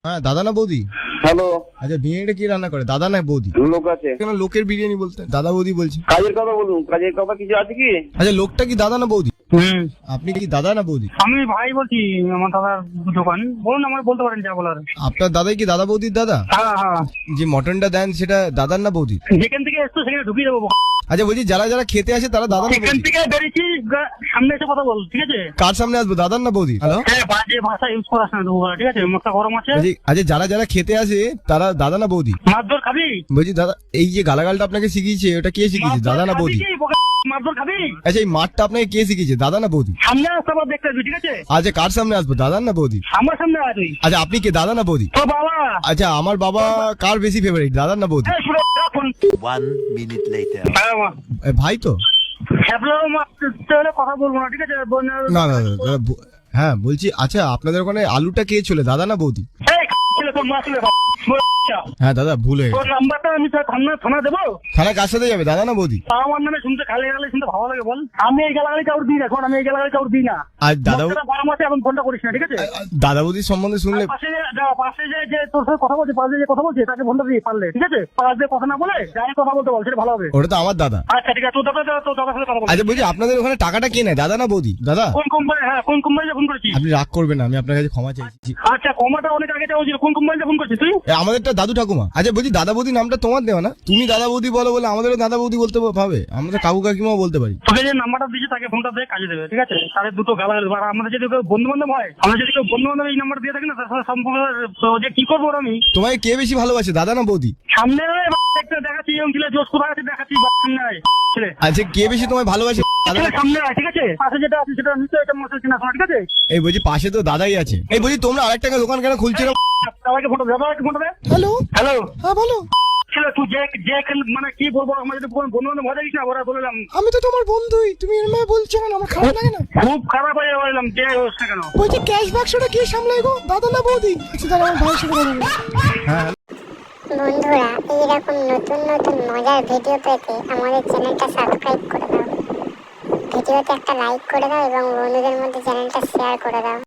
হ্যাঁ দাদা না বৌদি? হ্যালো। আচ্ছা বিরিয়ানিটা কি রান্না করে, দাদা না বৌদি? লোক আছে। কেন লোকের বিরিয়ানি বলতে দাদা বৌদি বলছি? কাজের কথা বলুন, কাজের কথা কিছু আছে কি? আচ্ছা লোকটা কি দাদা না বৌদি? আপনি কি দাদা না বৌদি? আমি ভাই বলছি, আমার দাদার দোকান। বলুন, আমার বলতে পারেন যা বলার। আপনার দাদাই কি দাদা বৌদির দাদা? হ্যাঁ হ্যাঁ, যে মটনটা দেন সেটা দাদার না বৌদি? যেখান থেকে এসছো সেখানে ঢুকিয়ে দেবো। আচ্ছা বলছি যারা যারা খেতে আসে তারা দাদা না সেখান বৌদি? থেকে বেরিয়েছি, সামনে এসে কথা বল, ঠিক আছে? কার সামনে আসবো, দাদার না বৌদি? হ্যালো হ্যাঁ, বাজে ভাষা ইউজ করাস না দুপুরবেলা, ঠিক আছে? মুখটা গরম আছে। বলছি আচ্ছা যারা যারা খেতে আসে তারা দাদা না বৌদি? মারধর খাবি? বলছি দাদা এই যে গালাগালটা আপনাকে শিখিয়েছে ওটা কে শিখিয়েছে, দাদা না বৌদি? মারধর খাবি? আচ্ছা এই মাঠটা আপনাকে কে শিখিয়েছে, দাদা না বৌদি? সামনে আসতে আবার দেখতে আসবি, ঠিক আছে? আচ্ছা কার সামনে আসবো, দাদার না বৌদি? আমার সামনে আয় তুই। আচ্ছা আপনি কে, দাদা না বৌদি? তো বাবা, আচ্ছা আমার বাবা কার বেশি ফেভারিট, দাদার না বৌদি? এই শুনে রাখুন। 1 minute later. হ্যাঁ মা, ভাই তো? হ্যাবলারও মারতে হলে কথা বলবো না, ঠিক আছে? না না না, দাদা, হ্যাঁ বলছি আচ্ছা আপনাদের ওখানে আলুটা কে ছিল, দাদা না বৌদি? এই ছেলে তোর মা ছেলে, হ্যাঁ দাদা ভুল হয়ে তোর গেছে। নাম্বারটা আমি থানা দেবো? থানা কার সাথে যাবে, দাদা না বৌদি? তা আমার নামে শুনতে খালি গেলে শুনতে ভালো লাগে বল? আমি এই গালাগালি কাউর দিই না, এখন আমি এই গালাগালি কাউর দিই না। আর দাদা গরম আছে, এখন ফোনটা করিস না, ঠিক আছে? দাদা বৌদির সম্বন্ধে শুনলে পাশে যে তোর সাথে কথা বলছে, পাশে যে কথা বলছে তাকে ফোনটা দিয়ে পারলে, ঠিক আছে? পাশ দিয়ে কথা না বলে যাই কথা বলতে বল, সেটা ভালো হবে। ওটা তো আমার দাদা। আচ্ছা ঠিক আছে, তোর দাদার সাথে কথা বল। আচ্ছা বলছি আপনাদের ওখানে টাকাটা কে নেয়, দাদা না বৌদি? দাদা কোন কোম্পানি? হ্যাঁ, কোন কোম্পানিতে ফোন করেছিস? আপনি রাগ করবেন না, আমি আপনার কাছে ক্ষমা চাইছি। আচ্ছা, কমাটা অনেক আগে দেওয়া ছিল। কোন কোম্পানিতে ফোন করছিস তুই? আমাদেরটা দাদু ঠাকুমা। আচ্ছা বলছি দাদা বৌদি নামটা তোমার দেওয়া না, তুমি দাদা বৌদি বলো বলে আমাদেরও দাদা বৌদি বলতে পাবে, আমরা কাকু কাকিমাও বলতে পারি। তোকে যে নাম্বারটা দিয়েছে তাকে ফোনটা দিয়ে কাজে দেবে, ঠিক আছে? তাদের দুটো গালাগালি। আর আমাদের যদি কেউ বন্ধু বান্ধব হয়, আমরা যদি কেউ বন্ধু বান্ধব এই নাম্বার দিয়ে থাকি না, তার সাথে সম্পর্ক যে কি করবো ওর আমি। তোমায় কে বেশি ভালোবাসে, দাদা না বৌদি? সামনে একটা দেখাচ্ছি, এবং ছেলে জোশ কোথায় আছে দেখাচ্ছি, সামনে আয় ছেলে। আচ্ছা কে বেশি তোমায় ভালোবাসে, দাদা ছেলে না? সামনে আয়, ঠিক আছে? পাশে যেটা আছে সেটা নিশ্চয়ই এটা মশলা কিনা, ঠিক আছে? এই বলছি পাশে তো দাদাই আছে। এই বলছি তোমরা আরেকটা দোকান কেন খুলছো না? সবাইকে ফোটো দেবে, সবাইকে ফোটো দে। হ্যালো হ্যালো, হ্যাঁ বলো। ছেলে তুই যে মানে কি বলবো, আমার যদি বন্ধু বান্ধব ভয় দেখিস না, ওরা বললাম আমি তো তোমার বন্ধুই, তুমি এরকম বলছো কেন, আমার খারাপ লাগে না। খুব খারাপ হয়ে বললাম, যে হোস না কেন। বলছি ক্যাশ বাক্সটা কে সামলাই গো, দাদা না বৌদি? আচ্ছা তাহলে আমার ভাইয়ের সাথে কথা বলবো। হ্যাঁ বন্ধুরা, এইরকম নতুন নতুন মজার ভিডিও পেতে আমাদের চ্যানেলটা সাবস্ক্রাইব করে দাও, ভিডিওতে একটা লাইক করে দাও এবং বন্ধুদের মধ্যে চ্যানেলটা শেয়ার করে দাও।